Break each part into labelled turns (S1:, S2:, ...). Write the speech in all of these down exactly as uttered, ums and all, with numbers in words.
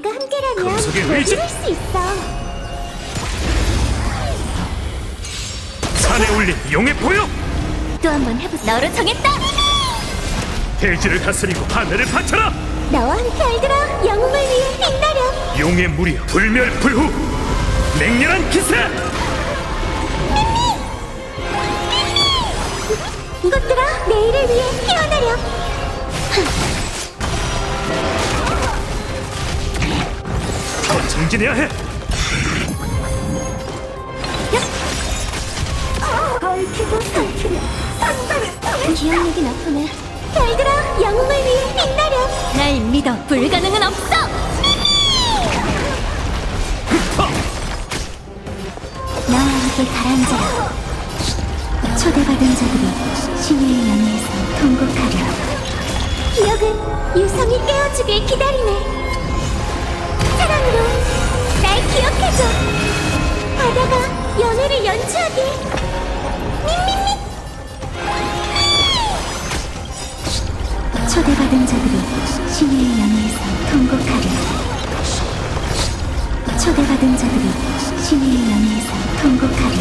S1: 우리가 함께라면
S2: 금속의
S1: 모두
S2: 의지!
S1: 할수 있어.
S2: 산에 올린 용의 보여!
S1: 또 한 번 해보. 너로 정했다.
S2: 대지를 다스리고 하늘을 바쳐라!
S1: 나와 함께 알들아. 영웅을 위해 빛나렴.
S2: 용의 무리 불멸불후 맹렬한 기세!
S1: 이것들아, 내일을 위해 깨어나렴.
S2: 더 정진해야 해!
S1: 얽히고 설키며 산다를 기억력이 나쁘네. 별들아, 영웅을 위해 빛나렴. 날 믿어. 불가능은 없어. 나와 함께 가라앉아라. 초대받은 자들이 신의 연회에서 통곡하려. 기억은 유성이 깨워주길 기다리네. 사랑으로 날 기억해줘. 바다가 연회를 연주하길. 밍밍밍. 초대받은 자들이 신의 연회에서 통곡하려. 초대받은 자들이 신의 연회에서 통곡하려.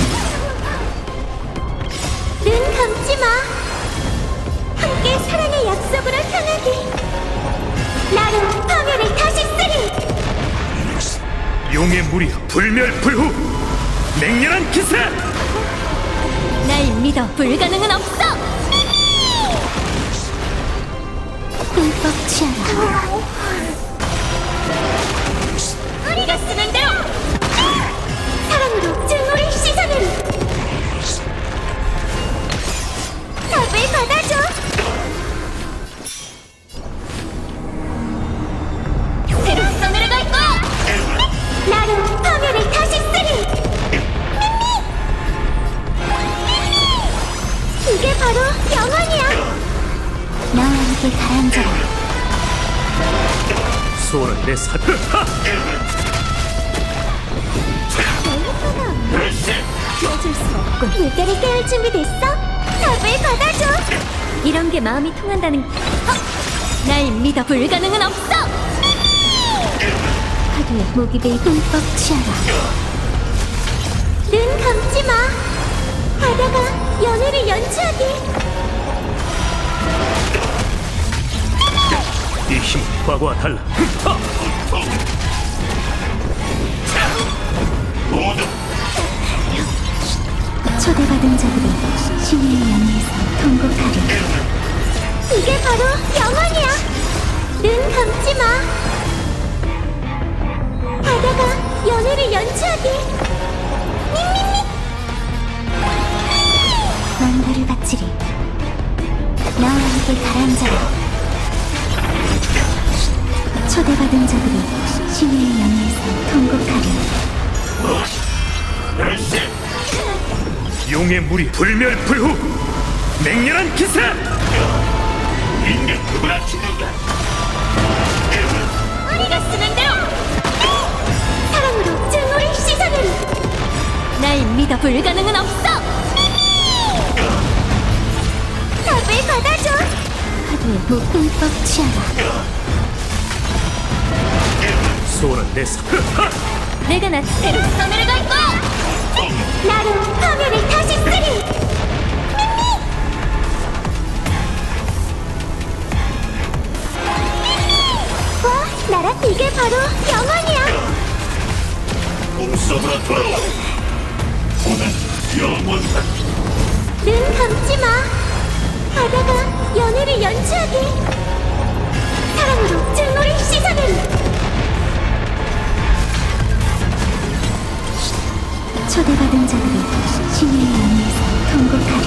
S1: 눈 감지 마. 함께 사랑의 약속으로 향하길. 나로 파멸을 다시 쓰리.
S2: 용의 무리 불멸불후 맹렬한 기세!
S1: 날 믿어. 불가능은 없어. 꿀꺽 취하라. 우리가 쓰는 대로. 사랑으로 증오를 씻어내리. 답을 받아줘. 새로 써내려갈 거야. 나로 파멸을 다시 쓰리. 이게 바로 영원이야. 나와 함께 가라앉아라.
S2: 소원은 내 사... 하!
S1: 깨줄 수 없군. 물결을 깨울 준비 됐어? 답을 받아줘. 이런 게 마음이 통한다는. 어? 날 믿어. 불가능은 없어. 파도에 목이 베이 흠뻑 취하라. 눈 감지 마. 바다가 연회를 연주하길.
S2: 이 힘은 과거와 달라. 하!
S1: 초대받은 자들이 신의 연회에서 통곡하리. 이게 바로 영원이야. 눈 감지 마. 바다가 연회를 연주하길. 밍밍밍. 만가를 바치리. 나와 함께 가라앉아라. 초대받은 자들이 신의 연회에서 통곡하리.
S2: 용의 무리 불멸불후 맹렬한 기세! 인간 누구나 죽는다!
S1: 우리가 쓰는 대로. 사랑으로 증오를 씻어내리. 날 믿어. 불가능은 없어. 답을 받아줘. 파도에 목 흠뻑 취하라.
S2: 소원은 내 사... 하!
S1: 내가 나 새로 써내려갈 거야. 나로 파멸을 다시 쓰리. 와, 나라 이게 바로 영원이야.
S2: 꿈속으로 돌아와! 오늘 영원한
S1: 눈 감지 마. 바다가 연회를 연주하길. 사랑으로 증오를 씻어내리. 초대받은 자들이 신의 연회에서 통곡하리.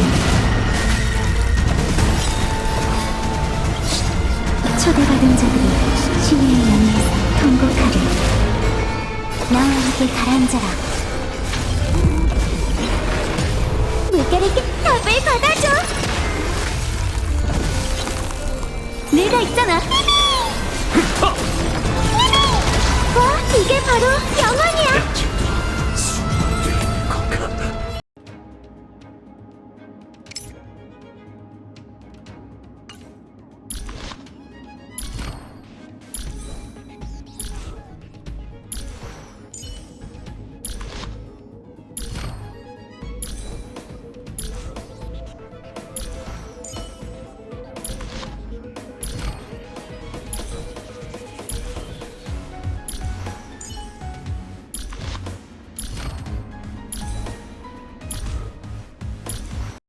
S1: 초대받은 자들이 신의 연회에서 통곡하리. 나와 함께 가라앉아라.